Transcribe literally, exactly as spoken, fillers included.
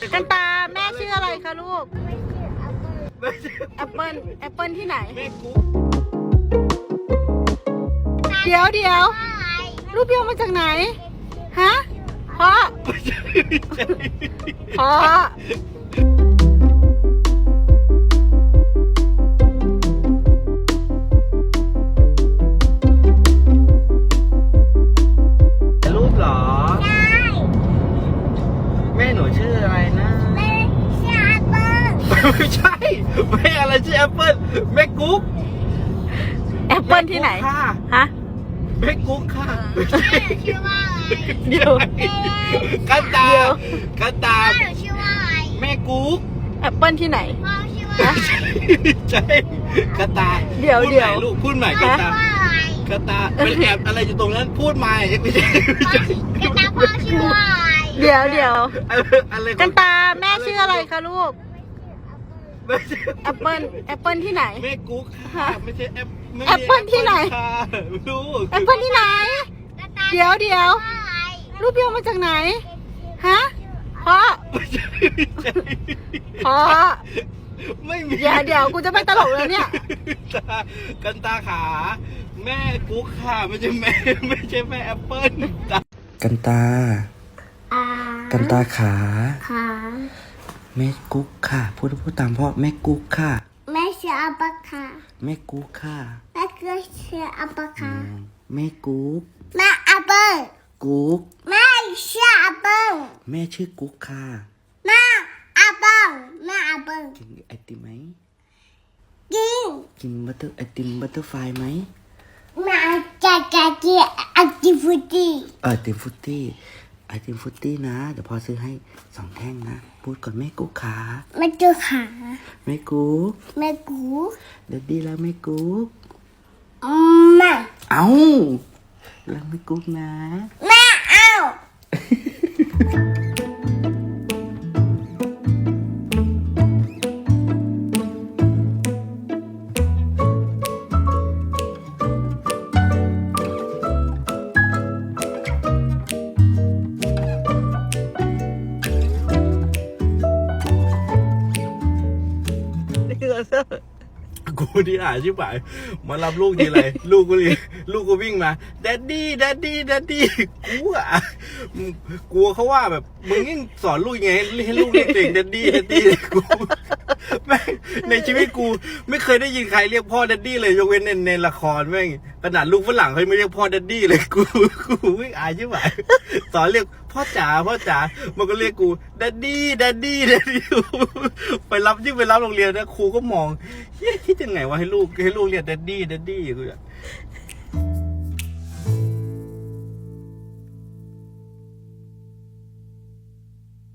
กันตาแม่ชื่ออะไรคะลูกแอปเปิลแอปเปิลที่ไหนเดี๋ยวเดี๋ยวรูปเดียวมาจากไหนฮะพ่อพ่อรูปเหรอใช่แม่หนูชื่ออะไรนะแม่ชื่อแอปเปิ้ลไม่ใช่แม่อะไรชื่อแอปเปิ้ลแม่กุ๊กแอปเปิลที่ไหนฮะแม่กุ๊กค่ะชื่อว่าอะไรเดี๋ยวกันตากันตาชื่อว่าอะไรแม่กุ๊กแอปเปิลที่ไหนพ่อชื่อว่าอะไรใช่กันตาเดี๋ยวเดี๋ยวลูกพูดใหม่กันตากันตาเป็นแอบอะไรอยู่ตรงนั้นพูดใหม่ไม่ใช่กันตาพ่อชื่อว่าอะไรเดี๋ยวเดี๋ยวอะไรกันตาแม่ชื่ออะไรคะลูกแอปเปิลแอปเปิลที่ไหนแม่กุ๊กค่ะไม่ใช่แอปแอปเปิลที่ไหนลูกแอปเปิลที่ไหนเดี๋ยวเดี๋ยวรูปเดียวมาจากไหนฮะพ่อพ่อไม่มีเดี๋ยวเดี๋ยวกูจะไปตลกแล้วเนี่ยกันตาขาแม่กุ๊กค่ะไม่ใช่แม่ไม่ใช่แม่แอปเปิ้ลกันตากันตาขาขาแม่กุ๊กค่ะพูดพูดตามพ่อแม่กุ๊กค่ะแม่ชื่ออัปปะค่ะแม่กุ๊กค่ะแม่ก็ชื่ออัปปะค่ะแม่กุ๊กแม่อัปเปิ้ลกุ๊กแม่ชื่ออัปเปิ้ลแม่ชื่อกุ๊กค่ะแม่อัปเปิ้ลแม่อัปเปิ้ลกินไอติมไหมกินกินบัตเตอร์ไอติมบัตเตอร์ไฟไหมแม่จะจะกินไอติมฟรุตตี้เออไอติมฟรุตตี้ไอติมฟรุตตี้นะเดี๋ยวพ่อซื้อให้สองแท่งนะพูดก่อนแม่กุ๊กขาแม่ตัวขาแม่กุ๊กแม่กุ๊กเดดดี้แล้วแม่กุ๊กแม่เอ้าแล้วแม่กุ๊กนะแม่เอ้ากูที่อ่านชิบหายมารับลูกทีไรลูกกูเลยลูกกูวิ่งมาแดดดี้แดดดี้แดดดี้กูอ่ะกลัวเขาว่าแบบมึงยิ่งสอนลูกยังไงให้ลูกเรียกตัวเองแดดดี้แดดดี้กูแม่งในชีวิตกูไม่เคยได้ยินใครเรียกพ่อแดดดี้เลยยกเว้นในในละครแม่งขนาดลูกฝรั่งเขาไม่เรียกพ่อแดดดี้เลยกูกูวิ่งอายชิบหายสอนเรียกพ่อจ๋าพ่อจ๋ามันก็เรียกกูแดดดี้แดดดี้แดดดี้ไปรับยิ่งไปรับโรงเรียนนะครูก็มองคิดยังไงว่าให้ลูกให้ลูกเรียกแดดดี้แดดดี้กู